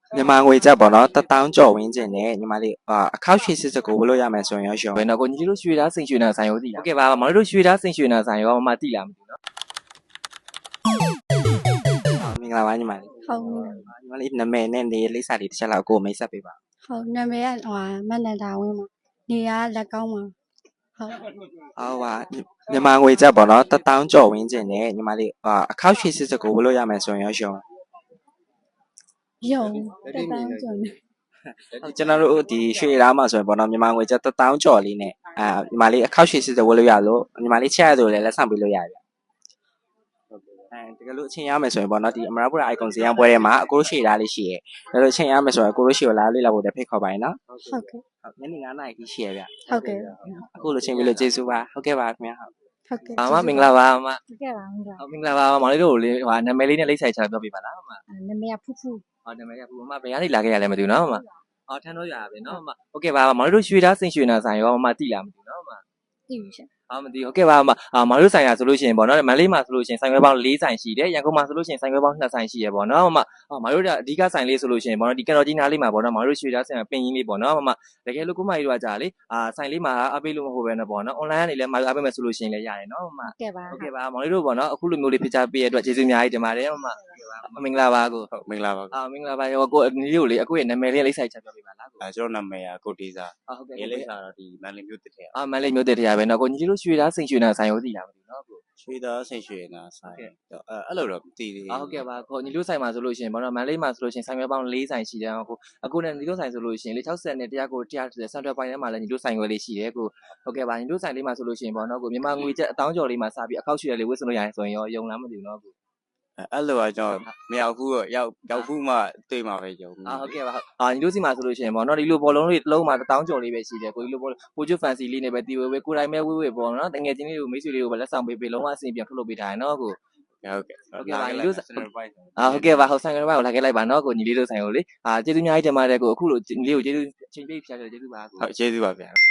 မြန်မာငွေကျပ်ပေါ့နော်1000ကျော်ဝန်းကျင်နဲ့ညီမလေးအခောက်ရွှေစစ်စကိုဝယ်လို့ရမယ်ဆိုရင်ရောရောဘယ်တော့ကိုညီတို့ရွှေသားစိန်ရွှေနာဆိုင်ရောသိလားဟုတ်ကဲ့ပါမောင်တို့ရွှေသားစိန်ရွှေနာဆိုင်ရောမသိလားမသိဘူးနော်မင်္ဂလာပါညီမလေးဟုတ်ညီမလေးနာမည်နဲ့နေလိပ်စာလေးတစ်ချက်လောက်ကိုမိတ်ဆက်ပေးပါဟုတ်နာမည်ကမန္တတာဝင်းမှာနေရလက်ကောင်းမှာဟုတ်ဟုတ်ပါမြန်မာငွေကျပ်ပေါ့နော်1000ကျော်ဝန်းကျင်နဲ့ညီမလေးအခောက်ရွှေစစ်စကိုဝယ်လို့ရမယ်ဆိုရင်ရောရောယုံတက်တန်းကျော်နေကျွန်တော်တို့ဒီရွှေသားမှာဆိုရင်ပေါ့နော်မြန်မာငွေကျပ်1000ကျော်လေးနဲ့ညီမလေးအခောက်ရွှေစစ်စဝယ်လို့ရလို့ညီမလေးချက်ရဆိုလည်းလက်ဆောင်ပေးလို့ရတယ်တကယ်လို့အချိန်ရမယ်ဆိုရင်ပေါ့နော်ဒီအမရပူရာ icon ဇေယျပွဲထဲမှာအကိုတို့ရှေ့သားလေးရှိရဲဒါလို့အချိန်ရမယ်ဆိုရင်အကိုတို့ရှေ့ကိုလာလေးလာဖို့တဖိတ်ခေါ်ပါရင်နော်ဟုတ်ကဲ့ညနေ9:00နာရီရှိရဲဗျဟုတ်ကဲ့အခုလိုချိန်ပြီးလို့ကျေးဇူးပါဟုတ်ကဲ့ပါခင်ဗျာဟုတ်ဟုတ်ကဲ့မမင်္ဂလာပါမဟုတ်ကဲ့ပါမင်္ဂလာဟုတ်မင်္ဂလာပါမောင်လေးတို့လေးဟိုနာမည်လေးနဲ့လိပ်ဆိုင်ချပြောပြပါလားမနာမည်ကဖူးဖူးဟောနာမည်ကဘူးမဘယ်ကနေလာခဲ့ရလဲမသိဘူးနော်မဟောထန်းတော့ရပါပဲနော်မဟုတ်ကဲ့ပါမောင်လေးတို့ရွှေသားစိန်ရွှေနာဆိုင်ရောမသိလားမသိဘူးနော်မသိပြီရှင်မသိဟုတ်ကဲ့ပါမောင်တို့ဆိုင်ရဆိုလို့ရှိရင်ပေါ့နော်မန္တလေးမှာဆိုလို့ရှိရင်ဆိုင်ခွဲပေါင်း4ဆိုင်ရှိတယ်ရန်ကုန်မှာဆိုလို့ရှိရင်ဆိုင်ခွဲပေါင်း2ဆိုင်ရှိရပေါ့နော်မောင်တို့အဓိကဆိုင်လေးဆိုလို့ရှိရင်ပေါ့နော်ဒီကန်တော်ကြီးနားလေးမှာပေါ့နော်မောင်တို့ရွှေသားဆိုင်ပင်ကြီးလေးပေါ့နော်တကယ်လို့ကိုမကြီးတို့ကကြာလေဆိုင်လေးမှာအပေးလို့မဟုတ်ပဲနော်ပေါ့နော် online ကနေလည်းမအားပေးမယ်ဆိုလို့ရှိရင်လည်းရတယ်နော်မဟုတ်ကဲ့ပါဟုတ်ကဲ့ပါမောင်လေးတို့ပေါ့နော်အခုလိုမျိုးလေးဖိချပေးရတဲ့အတွက်ကျေးဇူးအများကြီးတင်ပါတယ်မင်္ဂလာပါကိုဟုတ်မင်္ဂလာပါမင်္ဂလာပါရောကိုညီလေးကိုလေအခုရဲ့နာမည်လေးလိပ်ဆိုင်ချက်ပြောပြပါလားကိုကျွန်တော်နာမည်ကကိုတေးစာဟုတ်ကဲ့ရေးလိပ်စာတော့ဒီမန္တလေးမြို့တစ်ထက်မန်လေးမျိုးတည်းတရားပဲနော်ကိုညီလေးတို့ရွှေသားစိန်ရွှေနာဆိုင်ရောသိလားမသိဘူးနော်ကိုရွှေသားဆိတ်ရွှေနာဆိုင်အဲ့လိုတော့မသိသေးဘူးဟုတ်ကဲ့ပါကိုညီတို့ဆိုင်မှာဆိုလို့ရှိရင်ဘာလို့မန်လေးမှာဆိုလို့ရှိရင်ဆိုင်ရွက်ပေါင်း4ဆိုင်ရှိတယ်ကိုအခုနဲ့ညီတို့ဆိုင်ဆိုလို့ရှိရင်လေ60နဲ့တရားကို130ဆန်ထွက်ပိုင်းထဲမှာလည်းညီတို့ဆိုင်ရွက်လေးရှိတယ်ကိုဟုတ်ကဲ့ပါညီတို့ဆိုင်လေးမှာဆိုလို့ရှိရင်ပေါ့နော်ကိုမြန်မာငွေကျပ်1000ကျော်လေးမှာစပြီးအခောက်ရွှေလေးဝတ်စလို့ရတယ်ဆိုရင်ရောယုံလားမသိဘူးနော်ကိုအဲ့လိုကကျွန်တော်မရောက်ဘူးရောက်ဘူးမှတွေ့မှာပဲယုံဟုတ်ကဲ့ပါညီတို့စီမှာဆိုလို့ရှိရင်ပေါ့နော်ဒီလိုဘောလုံးလေးတစ်လုံးမှာ1000ကျော်လေးပဲရှိတယ်ကိုဒီလိုဘောပိုချွတ်ဖန်စီလေးနဲ့ပဲတီဝဲဝဲကိုတိုင်းပဲဝဲဝဲပေါ့နော်တငယ်ချင်းလေးကိုမိတ်ဆွေလေးကိုပဲလက်ဆောင်ပေးပေးလုံးဝအဆင်ပြေထုတ်လုပ်ပေးထားတယ်နော်ကိုဟုတ်ကဲ့ဟုတ်ကဲ့ပါညီတို့ကျွန်တော်ပိုက်ဟုတ်ကဲ့ပါဟုတ်ဆိုင်ကလေးပါကိုလာခဲ့လိုက်ပါနော်ကိုညီလေးတို့ဆိုင်ကိုလေကျေးဇူးအများကြီးတင်ပါတယ်ကိုအခုလိုညီလေးကိုကျေးဇူးချိန်ပြည့်ဖြားကြကျေးဇူးပါကိုဟုတ်ကျေးဇူးပါဗျာ